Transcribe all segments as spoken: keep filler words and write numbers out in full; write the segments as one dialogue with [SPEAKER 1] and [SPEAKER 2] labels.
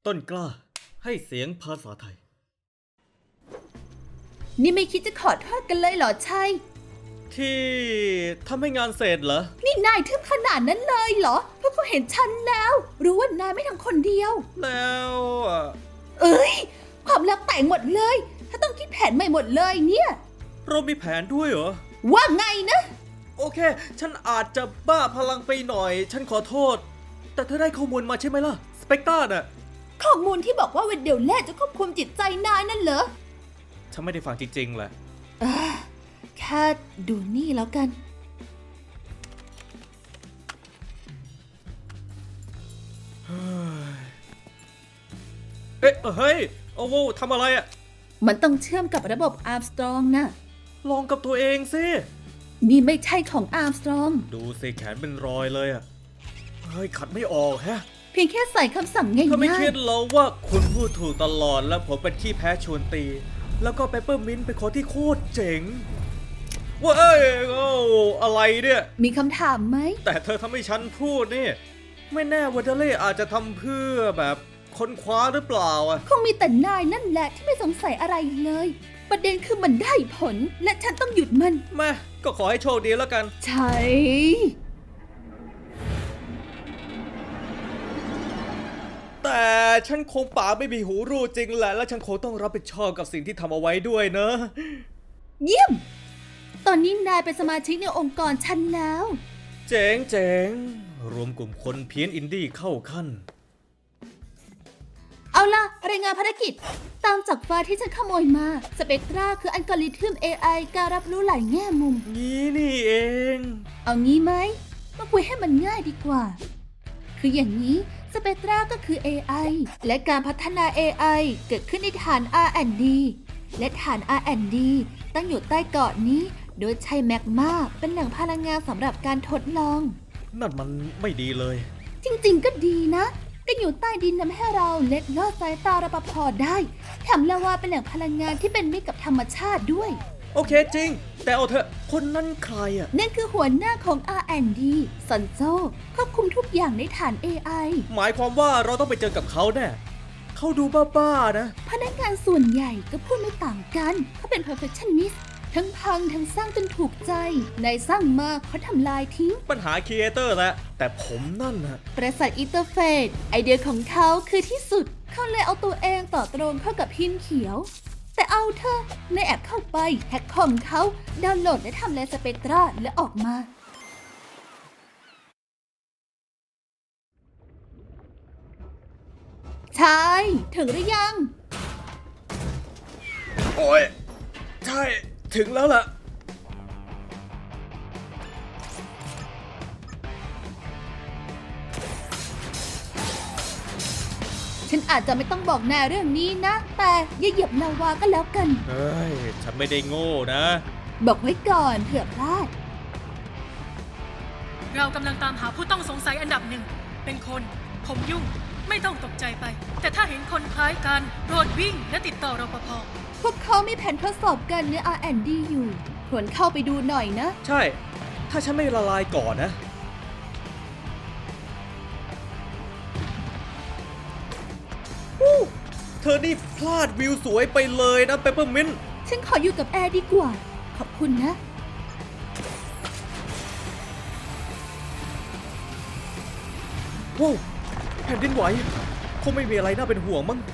[SPEAKER 1] ต้นกล้าให้เสียงภาษาไทย
[SPEAKER 2] นี่ไม่คิดจะขอโทษกันเลยเหรอชัย
[SPEAKER 1] ที่ทำให้งานเสร็จเหรอ
[SPEAKER 2] นี่นายทึบขนาดนั้นเลยเหรอพวกเขาเห็นฉันแล้วรู้ว่านายไม่ทำคนเดียว
[SPEAKER 1] แล้ว
[SPEAKER 2] เอ้ยความลับแตกหมดเลยถ้าต้องคิดแผนใหม่หมดเลยเนี่ย
[SPEAKER 1] เรามีแผนด้วยเหรอ
[SPEAKER 2] ว่าไงนะ
[SPEAKER 1] โอเคฉันอาจจะบ้าพลังไปหน่อยฉันขอโทษแต่เธอได้ข้อมูลมาใช่ไหมล่ะสเปกตราน่ะ
[SPEAKER 2] ข้อมูลที่บอกว่าเวนเดลแล่จะควบคุมจิตใจนายนั่นเหรอ
[SPEAKER 1] ฉันไม่ได้ฟังจริงๆแหละ
[SPEAKER 2] แค่ดูนี่แล้วกัน
[SPEAKER 1] เอ๊ะเฮ้ยโอ้โหทำอะไรอ่ะ
[SPEAKER 2] มันต้องเชื่อมกับระบบอาร์มสตรองนะ
[SPEAKER 1] ลองกับตัวเองสิ
[SPEAKER 2] นี่ไม่ใช่ของอาร์มสตรอง
[SPEAKER 1] ดูสิแขนเป็นรอยเลยอ่ะเฮ้ยขัดไม่ออกฮะ
[SPEAKER 2] เพียงแค่ใส่คำสั่งง่ายๆ
[SPEAKER 1] เธอไม่คิดหรอว่าคุณพูดถูกตลอดแล้วผมเป็นขี้แพ้ชวนตีแล้วก็เปเปอร์มินต์เป็นคนที่โคตรเจ๋งว้าเอ้ยโอ้อะไรเนี่ย
[SPEAKER 2] มีคำถามไหม
[SPEAKER 1] แต่เธอทำให้ฉันพูดนี่ไม่แน่วาเดเล่อาจจะทำเพื่อแบบค้นคว้าหรือเปล่าอ่ะ
[SPEAKER 2] คงมีแต่นายนั่นแหละที่ไม่สงสัยอะไรเลยประเด็นคือมันได้ผลและฉันต้องหยุดมัน
[SPEAKER 1] แม่ก็ขอให้โชคดีแล้วกัน
[SPEAKER 2] ใช่
[SPEAKER 1] แต่ฉันคงป่าไม่มีหูรู้จริงแหละและฉันคงต้องรับผิดชอบกับสิ่งที่ทำเอาไว้ด้วยเนอะ
[SPEAKER 2] เยี่ยมตอนนี้นายเป็นสมาชิกในองค์กรฉันแล้ว
[SPEAKER 1] เจ๋งเจ๋งรวมกลุ่มคนเพี้ยนอินดี้เข้าขั้น
[SPEAKER 2] เอาล่ะรายงานภารกิจตามจากไฟล์ที่ฉันขโมยมาสเปกตราคืออัลกอริทึม เอ ไอ การรับรู้หลายแง่มุม
[SPEAKER 1] งี้นี่เอง
[SPEAKER 2] เอางี้ไหมมาคุยให้มันง่ายดีกว่าคืออย่างนี้สเปกตราก็คือ เอ ไอ และการพัฒนา เอ ไอ เกิดขึ้นในฐาน อาร์ แอนด์ ดี และฐาน อาร์ แอนด์ ดี ตั้งอยู่ใต้เกาะนี้โดยใช้แมกมาเป็นแหล่งพลังงานสำหรับการทดลอง
[SPEAKER 1] นั่นมันไม่ดีเลย
[SPEAKER 2] จริงๆก็ดีนะการอยู่ใต้ดินทำให้เราเล็ดลอดสายตารปภ.ได้แถมลาวาเป็นแหล่งพลังงานที่เป็นมิตรกับธรรมชาติด้วย
[SPEAKER 1] โอเคจริงแต่เอาเถอะคนนั้นใครอ่ะ
[SPEAKER 2] นั่นคือหัวหน้าของ อาร์ แอนด์ ดี ซันโซควบคุมทุกอย่างในฐาน เอ ไอ
[SPEAKER 1] หมายความว่าเราต้องไปเจอกับเขาแน่เขาดูบ้าๆนะ
[SPEAKER 2] พนักงานส่วนใหญ่ก็พูดไม่ต่างกันเขาเป็น perfectionist ทั้งพังทั้งสร้างจนถูกใจนายสร้างมากเขาทำลายทิ้ง
[SPEAKER 1] ปัญหาครีเอเตอร์แหละแต่ผมนั่นนะ
[SPEAKER 2] ประสาทอินเตอร์เฟซไอเดียของเขาคือที่สุดเขาเลยเอาตัวเองต่อตรงเข้ากับพินเขียวแต่เอาเธอในแอปเข้าไปแฮกคอมเขาดาวน์โหลดและทำลายสเปกตราและออกมาใช่ถึงหรือยัง
[SPEAKER 1] โอ้ยใช่ถึงแล้วล่ะ
[SPEAKER 2] ฉันอาจจะไม่ต้องบอกนายเรื่องนี้นะแต่อย่าเหยียบลาวาก็แล้วกัน
[SPEAKER 1] เฮ้ยฉันไม่ได้โง่นะ
[SPEAKER 2] บอกไว้ก่อนเผื่อพลาด
[SPEAKER 3] เรากำลังตามหาผู้ต้องสงสัยอันดับหนึ่งเป็นคนผมยุ่งไม่ต้องตกใจไปแต่ถ้าเห็นคนคล้ายกันโปรดวิ่งและติดต่อรปภ.
[SPEAKER 2] พวกเขามีแผนทดสอบกันใน อาร์ แอนด์ ดี อยู่ควรเข้าไปดูหน่อยนะ
[SPEAKER 1] ใช่ถ้าฉันไม่ละลายก่อนนะเธอนี่พลาดวิวสวยไปเลยนะเปปเปอร์มินต์
[SPEAKER 2] ฉันขออยู่กับแอร์ดีกว่าขอบคุณนะ
[SPEAKER 1] ว้าวแผ่นดินไหวคงไม่มีอะไรน่าเป็นห่วงมั้ง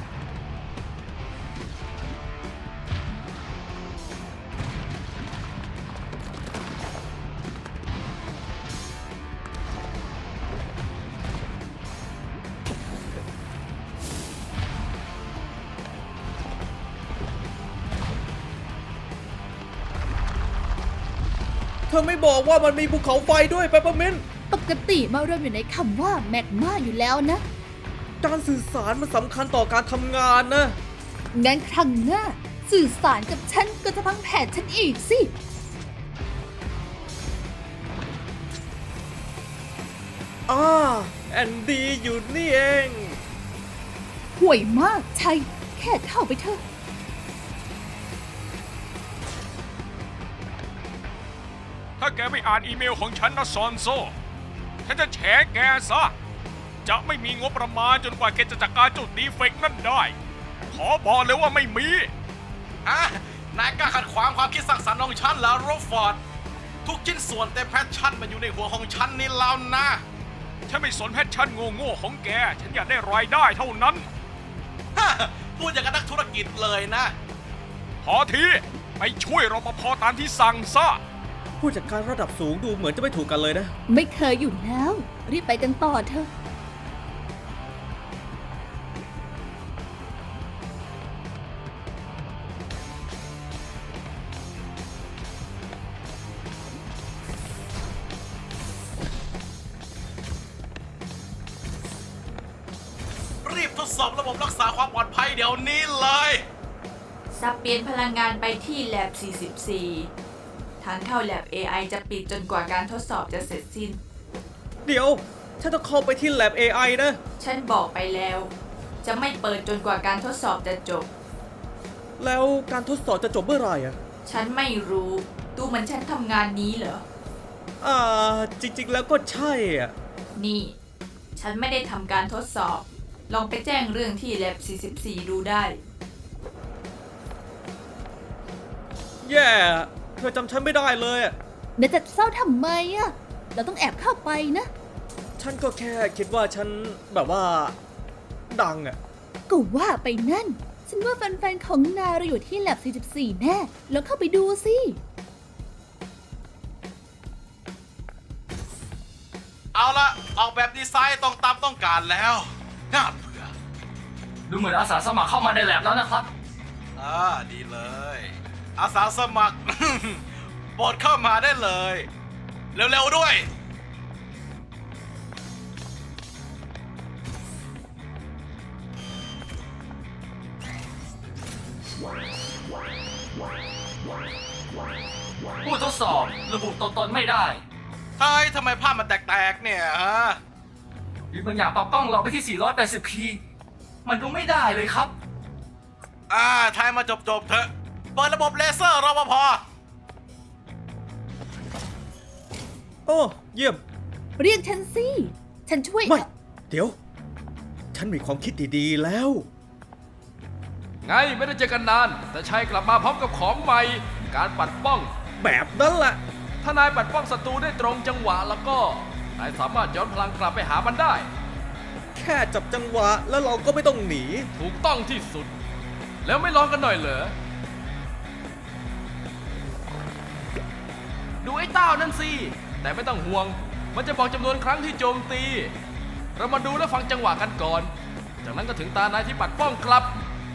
[SPEAKER 1] เธอไม่บอกว่ามันมีภูเขาไฟด้วยเปปเปอร์มินต์
[SPEAKER 2] ปกติมารวมอยู่ในคำว่าแมกมาอยู่แล้วนะ
[SPEAKER 1] การสื่อสารมันสำคัญต่อการทำงานนะ
[SPEAKER 2] งั้นครั้งหน้าสื่อสารกับฉันก็จะพังแผนฉันอีกสิ
[SPEAKER 1] อ่าแอนดี้อยู่นี่เอง
[SPEAKER 2] ห่วยมากใช่แค่เข้าไปเถอะ
[SPEAKER 4] ถ้าแกไม่อ่านอีเมลของฉันนะซอนโซฉันจะแฉแกซะจะไม่มีงบประมาณจนกว่าแกจะจัดการจุดดีเฟกต์นั่นได้ ขอบอกเลยว่าไม่มี
[SPEAKER 5] อ่ะนายกล้าขัดขวางความคิดสร้างสรรค์ของฉันแล้วโรฟอร์ดทุกชิ้นส่วนเต็มแพชชั่นมันอยู่ในหัวของฉันนี่แล้วนะ
[SPEAKER 4] ฉันไม่สนแพชชั่นโง่ๆของแก ฉันอยากได้รายได้เท่านั้น
[SPEAKER 5] ฮะพูดอย่างกับนักธุรกิจเลยนะ
[SPEAKER 4] พอทีไปช่วยรปภตามที่สั่งซะ
[SPEAKER 1] ผู้จัดการระดับสูงดูเหมือนจะไม่ถูกกันเลยนะ
[SPEAKER 2] ไม่เคยอยู่แล้ว รีบไปกันต่อเถอะ
[SPEAKER 5] รีบทดสอบระบบรักษาความปลอดภัยเดี๋ยวนี้เลย
[SPEAKER 6] สับเปลี่ยนพลังงานไปที่ Lab สี่สิบสี่ ทางเข้า Lab เอ ไอ จะปิดจนกว่าการทดสอบจะเสร็จสิ้น
[SPEAKER 1] เดี๋ยว ฉันต้องเข้าไปที่ Lab เอ ไอ นะ
[SPEAKER 6] ฉันบอกไปแล้ว จะไม่เปิดจนกว่าการทดสอบจะจบ
[SPEAKER 1] แล้วการทดสอบจะจบเมื่อไหร่อะ
[SPEAKER 6] ฉันไม่รู้ ดูเหมือนฉันทำงานนี้เหรอ
[SPEAKER 1] อ่า จริงๆแล้วก็ใช่อ่ะ
[SPEAKER 6] นี่ ฉันไม่ได้ทำการทดสอบ ลองไปแจ้งเรื่องที่ Lab สี่สิบสี่ ดูได้
[SPEAKER 1] แย่ เธอจำฉันไม่ได้เลยอะ
[SPEAKER 2] เดี๋ยวจะเศร้าทำไมอะเราต้องแอบเข้าไปนะ
[SPEAKER 1] ฉันก็แค่คิดว่าฉันแบบว่า ดังอะ
[SPEAKER 2] ก็ว่าไปนั่น ฉันว่าแฟนๆ ของนายเราอยู่ที่ Lab สี่สิบสี่ แน่ แล้วเข้าไปดูสิ
[SPEAKER 5] เอาละออกแบบดีไซน์ตรงตามต้องการแล้วน่าเบื่อ
[SPEAKER 7] ดูเหมือนอาสาสมัครเข้ามาในแลบแล้วนะครับ
[SPEAKER 5] อ่าดีเลย อาสาสมัคร โปรดเข้ามาได้เลย เร็วๆด้วย
[SPEAKER 7] ผู้ทดสอบระบุตัวตนไม่ได้
[SPEAKER 5] เฮ้ยทำไมภาพมันแตกๆเนี่ยฮะ
[SPEAKER 7] หรือบางอย่างปรับกล้องเราไปที่ สี่ร้อยแปดสิบ พี มันดูไม่ได้เลยครับ
[SPEAKER 5] อ่าทายมาจบๆเถอะ เปิดระบบเลเซอร์รปภ
[SPEAKER 1] โอ้ เยี่ยม
[SPEAKER 2] เรียกฉันสิ ฉันช่วย
[SPEAKER 1] ไม่ เดี๋ยว ฉันมีความคิดดีๆแล้ว
[SPEAKER 8] ไงไม่ได้เจอกันนาน แต่ชัยกลับมาพร้อมกับของใหม่ การปัดป้อง
[SPEAKER 1] แบบนั้นแหละ
[SPEAKER 8] ถ้านายปัดป้องศัตรูได้ตรงจังหวะแล้วก็นายสามารถย้อนพลังกลับไปหามันได้
[SPEAKER 1] แค่จับจังหวะแล้วเราก็ไม่ต้องหนี
[SPEAKER 8] ถูกต้องที่สุด แล้วไม่ลองกันหน่อยเหรอ ดูไอ้เต้านั่นสิ แต่ไม่ต้องห่วง มันจะบอกจำนวนครั้งที่โจมตี เรามาดูและฟังจังหวะกันก่อน จากนั้นก็ถึงตานายที่ปัดป้องกลับ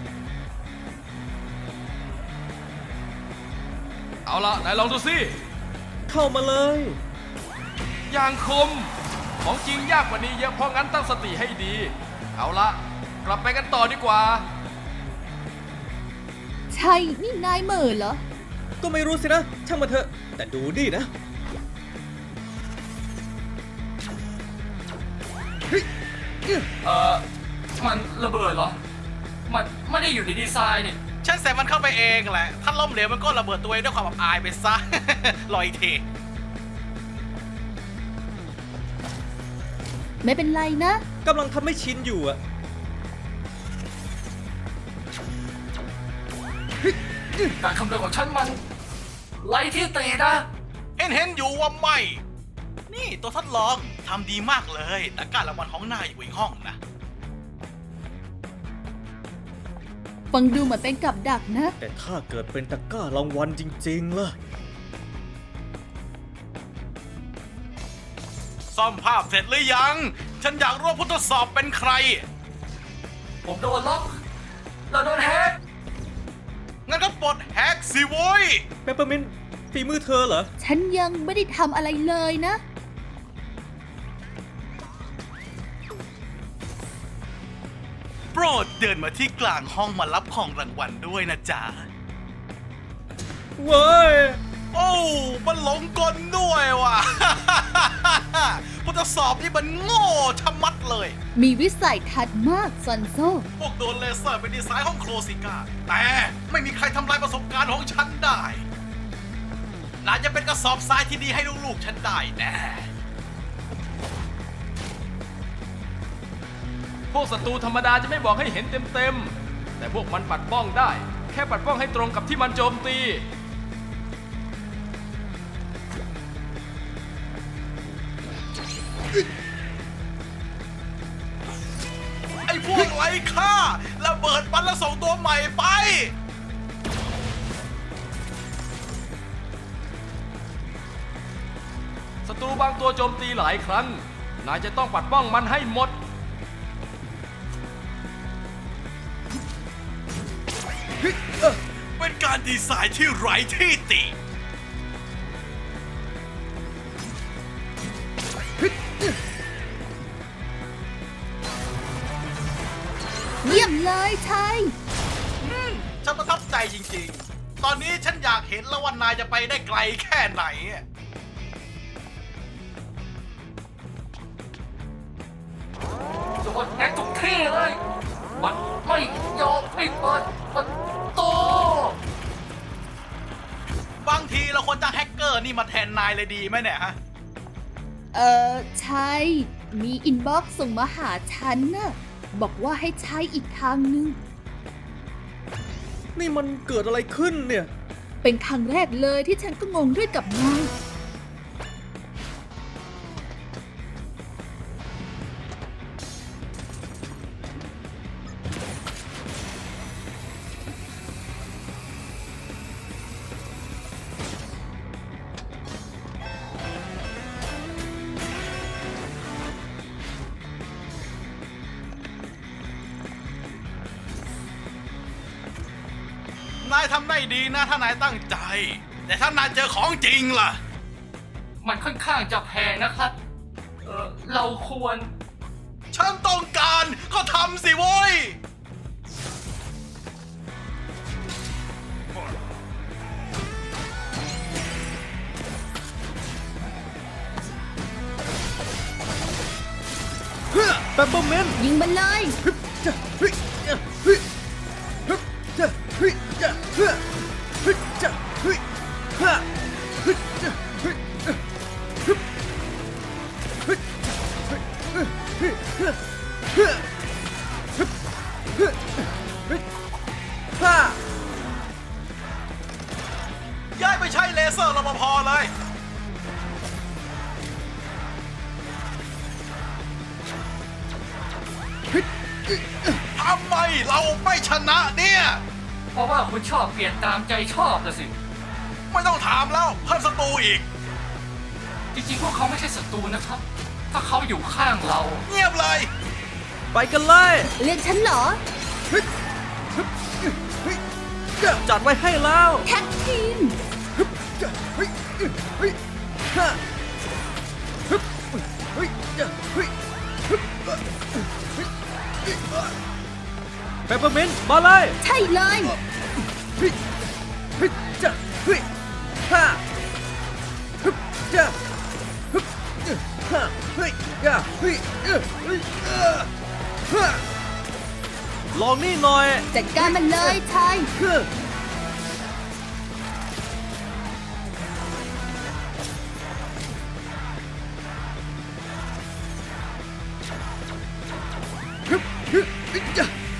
[SPEAKER 8] เอาละนายลองดูสิ
[SPEAKER 1] เข้ามาเลย
[SPEAKER 8] อย่างคม ของจริงยากกว่านี้เยอะเพราะงั้นตั้งสติให้ดี เอาละกลับไปกันต่อดีกว่า
[SPEAKER 2] ใช่ นี่นายเหม่อเหรอ
[SPEAKER 1] ก็ไม่รู้สินะ ช่างมาเถอะ แต่ดูนี่นะ
[SPEAKER 7] เอ่อ มันระเบิดเหรอ มันไม่ได้อยู่ในดีไซน์นี่
[SPEAKER 5] ฉันใส่มันเข้าไปเองแหละ ถ้าล้มเหลวมันก็ระเบิดตัวเองด้วยความอับอายไปซะ รออีกที
[SPEAKER 2] ไม่เป็นไรนะ
[SPEAKER 1] กำลังทำให้ชินอยู่อะ
[SPEAKER 7] การคำนวณของฉันมันไล่ที่ตีนะ
[SPEAKER 5] เห็นเห็นอยู่ว่าไม่ นี่ตัวทดลองทำดีมากเลย แต่การรางวัลของนายอยู่อีกห้องนะ
[SPEAKER 2] ฟังดูเหมือนเป็นกับดักนะ
[SPEAKER 1] แต่ถ้าเกิดเป็นตะกร้ารางวัลจริงๆล่ะ
[SPEAKER 5] ซ่อมภาพเสร็จหรือยัง ฉันอยากรู้ว่าผู้ทดสอบเป็นใคร
[SPEAKER 7] ผมโดนล็อก เราโดนแฮก
[SPEAKER 5] งั้นก็ปลดแฮกสิโว้ย
[SPEAKER 1] เปปเปอร์มินต์ฝีมือเธอเหรอ
[SPEAKER 2] ฉันยังไม่ได้ทำอะไรเลยนะ
[SPEAKER 5] โปรดเดินมาที่กลางห้องมารับของรางวัลด้วยนะจ๊ะ
[SPEAKER 1] เว้ย
[SPEAKER 5] โอ้มันหลงกลด้วยว่ะ ผู้ทดสอบนี่มันโง่ชะมัดเลย
[SPEAKER 2] มีวิสัยทัศน์มากซอนโซ
[SPEAKER 5] พวกโดนเลเซอร์เป็นดีไซน์ของโครซิก้า แต่ไม่มีใครทำลายประสบการณ์ของฉันได้น่าจะเป็นกระสอบทรายที่ดีให้ลูกๆฉันได้แน่
[SPEAKER 8] พวกศัตรูธรรมดาจะไม่บอกให้เห็นเต็มๆ แต่พวกมันปัดป้องได้ แค่ปัดป้องให้ตรงกับที่มันโจมตี
[SPEAKER 5] ไอ้พวกไร้ค่าระเบิดมันแล้วส่งตัวใหม่ไป
[SPEAKER 8] ศัตรูบางตัวโจมตีหลายครั้ง นายจะต้องปัดป้องมันให้หมด
[SPEAKER 5] เป็นการดีไซน์ที่ไร้ที่ติ
[SPEAKER 2] เยี่ยมเลยชัย
[SPEAKER 5] ฉันประทับใจจริงๆ ตอนนี้ฉันอยากเห็นแล้วว่านายจะไปได้ไกลแค่ไหน
[SPEAKER 7] โดนแอกทุกที่เลย มันไม่ยอมให้เปิดประตู
[SPEAKER 5] บางทีเราควรจะแฮกเกอร์นี่มาแทนนายเลยดีไหมเนี่ยฮะ
[SPEAKER 2] เออชัย มีอินบ็อกซ์ส่งมาหาฉันน่ะ บอกว่าให้ใช้อีกทางนึง
[SPEAKER 1] นี่มันเกิดอะไรขึ้นเนี่ย
[SPEAKER 2] เป็นครั้งแรกเลยที่ฉันก็งงด้วยกับนาย
[SPEAKER 5] นายทำได้ดีนะถ้านายตั้งใจ แต่ถ้านายเจอของจริงล่ะ
[SPEAKER 7] มันค่อนข้างจะแพงนะครับ เออเราควร
[SPEAKER 5] ฉันต้องการก็ทำสิโว้ย
[SPEAKER 1] เปปเปอร์เมนต์
[SPEAKER 2] ยิงมันเลย
[SPEAKER 1] จะเฮ้ยจะเฮ้ยฮึบจะเฮ้ยจะเฮ้ยฮึบจะเฮ้ยฮะฮึบจะเฮ้ยฮึบฮึบเฮ้ยเฮ้ยเฮ้ยเฮ้ยเฮ้ยฮึบเฮ้ยเฮ้ยฮ่า
[SPEAKER 5] ย้ายไปใช้เลเซอร์รปภเลย ทำไมเราไม่ชนะเนี่ย
[SPEAKER 7] เพราะว่าคุณชอบเปลี่ยนตามใจชอบนะสิ
[SPEAKER 5] ไม่ต้องถามแล้วเพิ่มศัตรูอีก
[SPEAKER 7] จริงๆ พวกเขาไม่ใช่ศัตรูนะครับ ถ้าเขาอยู่ข้างเรา
[SPEAKER 5] เงียบเลย
[SPEAKER 1] ไปกันเลย
[SPEAKER 2] เรียกฉันเหรอ
[SPEAKER 1] ฮึบฮึบเฮ้ยจะจัดไว้ให้แล้ว
[SPEAKER 2] แท็กทีม
[SPEAKER 1] ฮึบจะเฮ้ยเฮ้ยฮ่าฮึบเฮ้ยจะเฮ้ยฮึบเฮ้ยเปปเปอร์เมนต์มาเลย
[SPEAKER 2] ใช่เลย
[SPEAKER 1] เฮ้ยเฮ้ยจะเฮ้ยฮ่าฮึบจะฮึบฮ่าเฮ้ยยาเฮ้ยเอ้อเฮ้ยเอ้อฮ่าลองนี่หน่อย
[SPEAKER 2] จัดการมันเลยชัย
[SPEAKER 1] ฮึฮึบฮึบฮึบจะ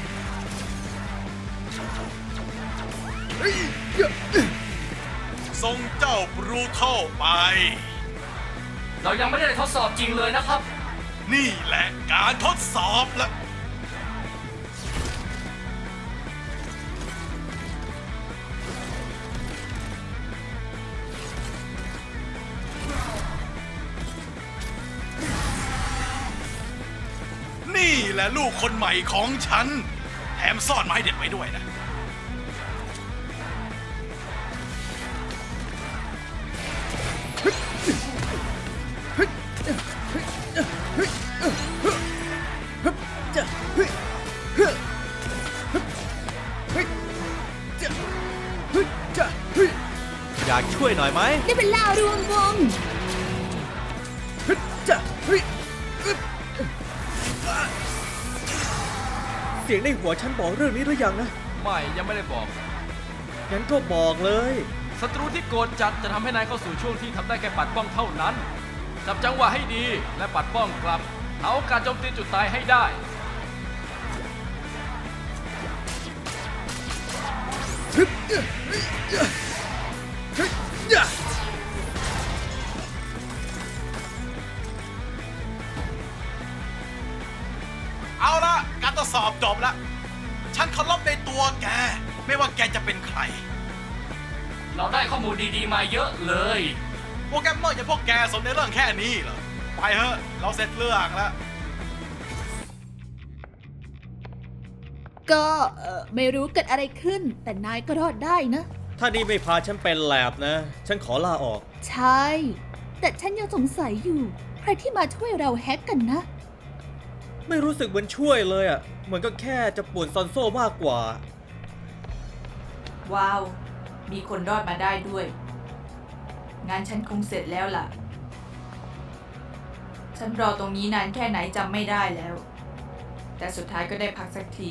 [SPEAKER 1] เฮ้ยยะ
[SPEAKER 5] ส่งเจ้าบรูเทลไป
[SPEAKER 7] เรายังไม่ได้ทดสอบจริงเลยนะครับ
[SPEAKER 5] นี่แหละการทดสอบละ นี่แหละลูกคนใหม่ของฉัน แถมซ่อนไม้เด็ดไว้ด้วยนะ
[SPEAKER 1] จะเฮ้ยเฮ้ยเฮ้ยจะเฮ้ยจะเฮ้ยอยากช่วยหน่อยไหม
[SPEAKER 2] ได้เวลารวมวง
[SPEAKER 1] เฮ้ยจะเฮ้ยอึ๊บเสียงในหัวฉันบอกเรื่องนี้หรือยังนะ
[SPEAKER 8] ไม่ยังไม่ได้บอก
[SPEAKER 1] งั้นก็บอกเลย
[SPEAKER 8] ศัตรูที่โกรธจัดจะทำให้นายเข้าสู่ช่วงที่ทำได้แค่ปัดป้องเท่านั้น จับจังหวะให้ดีและปัดป้องกลับหาโอกาสโจมตีจุดตายให้ได้
[SPEAKER 5] เอาละการทดสอบจบแล้ว ฉันเคารพในตัวแก ไม่ว่าแกจะเป็นใคร
[SPEAKER 7] เราได้ข้อมูลดีๆมาเยอะเลย
[SPEAKER 5] โปรแกรมเมอร์อย่างพวกแกสนในเรื่องแค่นี้เหรอ ไปเถอะ เราเสร็จเรื่องแล้ว
[SPEAKER 2] ก็เอ่อไม่รู้เกิดอะไรขึ้น แต่นายก็รอดได้นะ
[SPEAKER 1] ถ้านี่ไม่พาฉันเป็นแลบนะ ฉันขอลาออก
[SPEAKER 2] ใช่ แต่ฉันยังสงสัยอยู่ ใครที่มาช่วยเราแฮกกันนะ
[SPEAKER 1] ไม่รู้สึกเหมือนช่วยเลยอ่ะ เหมือนก็แค่จะป่วนซอนโซ่มากกว่า
[SPEAKER 6] ว้าว มีคนรอดมาได้ด้วย งานฉันคงเสร็จแล้วล่ะ ฉันรอตรงนี้นานแค่ไหนจำไม่ได้แล้ว แต่สุดท้ายก็ได้พักสักที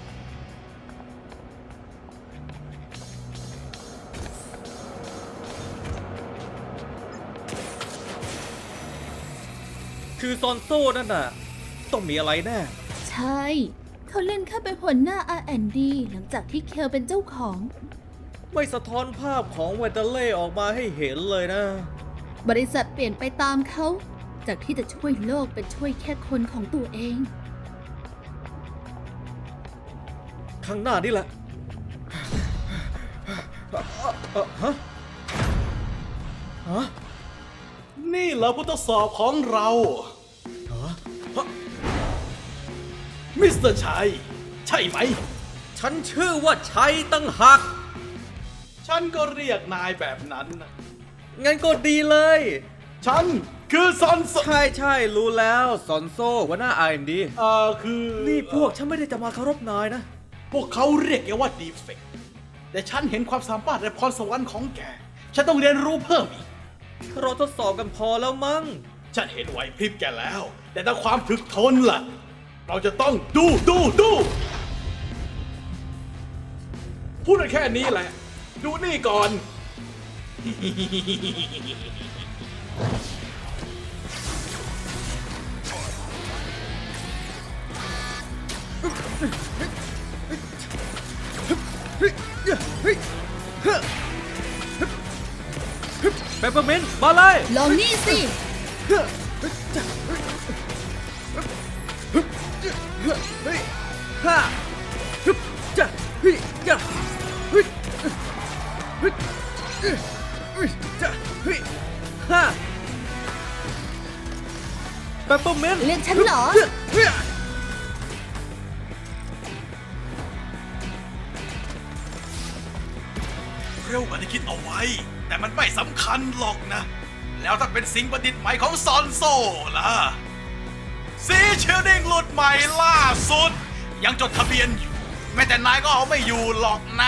[SPEAKER 1] คือซอนโซ่นั่นน่ะ ต้องมีอะไรแน่
[SPEAKER 2] ใช่ เขาเล่นแค่เป็นหัวหน้า อาร์ แอนด์ ดี หลังจากที่เคลเป็นเจ้าของ
[SPEAKER 1] ไม่สะท้อนภาพของเวเตเล่ออกมาให้เห็นเลยนะ
[SPEAKER 2] บริษัทเปลี่ยนไปตามเขา จากที่จะช่วยโลกเป็นช่วยแค่คนของตัวเอง
[SPEAKER 1] ข้างหน้านี่แหละเอ่อฮะ ฮะ
[SPEAKER 5] นี่เหรอผู้ทดสอบของเรา
[SPEAKER 1] ฮะ
[SPEAKER 5] มิสเตอร์ชัย ใช่ไหม
[SPEAKER 1] ฉันชื่อว่าชัยตั้งหาก
[SPEAKER 5] ฉันก็เรียกนายแบบนั้นนะ
[SPEAKER 1] งั้นก็ดีเลย
[SPEAKER 5] ฉันคือซอนโซ
[SPEAKER 1] ใช่ใช่รู้แล้วซอนโซ่หัวหน้า อาร์ เอ็น ดี
[SPEAKER 5] เอ่อคือ
[SPEAKER 1] นี่พวกฉันไม่ได้จะมาเคารพนายนะ
[SPEAKER 5] พวกเขาเรียกแกว่าดีเฟกต์แต่ฉันเห็นความสามารถและพรสวรรค์ของแก ฉันต้องเรียนรู้เพิ่มอีก
[SPEAKER 1] เราทดสอบกันพอแล้วมั้ง
[SPEAKER 5] ฉันเห็นไหวพริบแกแล้ว แต่ถ้าความถึกทนล่ะ เราจะต้องดูดูดูพูดได้แค่นี้แหละ ดูนี่ก่อน
[SPEAKER 1] เปปเปอร์มินต์มาเลย
[SPEAKER 2] ลองนี่สิ
[SPEAKER 1] เฮ้ยฮ่าฮึบจ้ะเฮ้ยจ้ะเฮ้ยเฮ้ยเฮ้ยจ้ะเฮ้ยฮ่าเปปเปอร์มินต์
[SPEAKER 2] เรียกฉันเหรอ
[SPEAKER 1] เฮ้ย
[SPEAKER 5] เร็วกว่าที่คิดเอาไว้ แต่มันไม่สำคัญหรอกนะ แล้วถ้าเป็นสิ่งประดิษฐ์ใหม่ของซอนโซ่ล่ะซีเชลดิงหลุดใหม่ล่าสุด ยังจดทะเบียนอยู่ แม้แต่นายก็เอาไม่อยู่หรอกนะ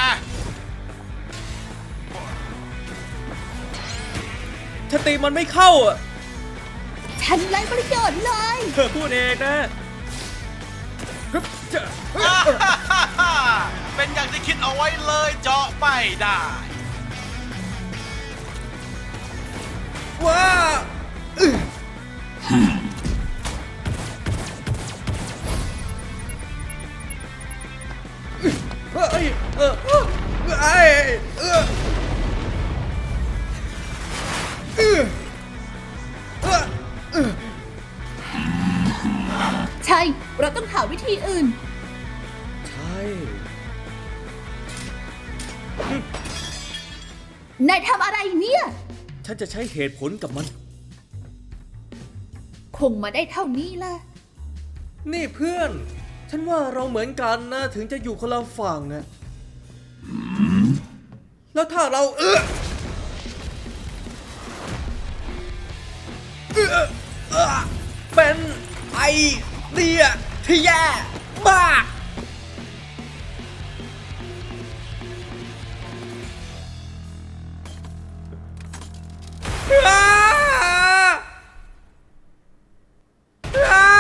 [SPEAKER 1] ถ้าตีมันไม่เข้าอ่ะ
[SPEAKER 2] ฉันไร้ประโยชน์เลย
[SPEAKER 1] เธอพูดเองนะฮึบจ้ะเฮ้ย
[SPEAKER 5] เป็นอย่างที่คิดเอาไว้เลยเจาะไม่ได้
[SPEAKER 1] ว้าอื้อเอ้ยเออเออไอ้เออเออเออเออ
[SPEAKER 2] ใช่ เราต้องหาวิธีอื่น
[SPEAKER 1] ใช่
[SPEAKER 2] นายทำอะไรเนี่ย
[SPEAKER 1] ฉันจะใช้เหตุผลกับมัน
[SPEAKER 2] คงมาได้เท่านี้ละ
[SPEAKER 1] นี่เพื่อน ฉันว่าเราเหมือนกันนะ ถึงจะอยู่คนละฝั่งนะแล้วถ้าเราเออเออเออเป็นไอเดียที่แย่มากอ้าอ้า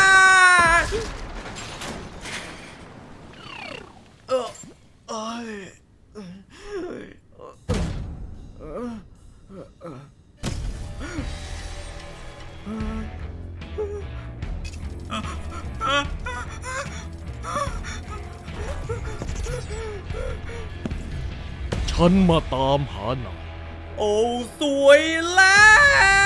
[SPEAKER 1] เออเอ้ยเอ้ยเออเออ
[SPEAKER 9] ฉันมาตามหานาย
[SPEAKER 1] โอ้สวยแล้ว